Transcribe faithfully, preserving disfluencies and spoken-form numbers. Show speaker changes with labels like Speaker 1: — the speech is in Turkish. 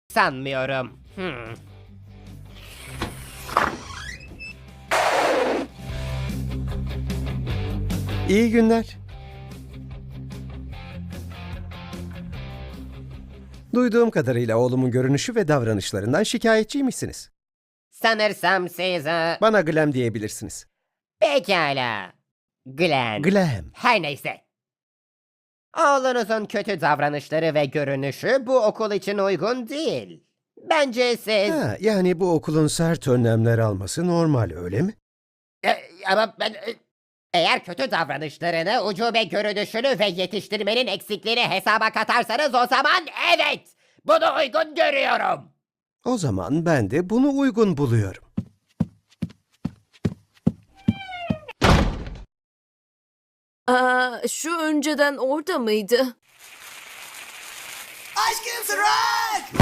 Speaker 1: Sanmıyorum. Hmm.
Speaker 2: İyi günler. Duyduğum kadarıyla oğlumun görünüşü ve davranışlarından şikayetçiymişsiniz.
Speaker 1: Sanırsam siz... e,
Speaker 2: Bana Glam diyebilirsiniz.
Speaker 1: Pekala. Glenn.
Speaker 2: Glam.
Speaker 1: Her neyse. Oğlunuzun kötü davranışları ve görünüşü bu okul için uygun değil. Bence siz...
Speaker 2: Ha, yani bu okulun sert önlemler alması normal, öyle mi?
Speaker 1: E, ama ben... e, Eğer kötü davranışlarını, ucube görünüşünü ve yetiştirmenin eksikliğini hesaba katarsanız o zaman evet! Bunu uygun görüyorum.
Speaker 2: O zaman ben de bunu uygun buluyorum.
Speaker 3: Aa, şu önceden orada mıydı?
Speaker 4: Aşkım Sırak!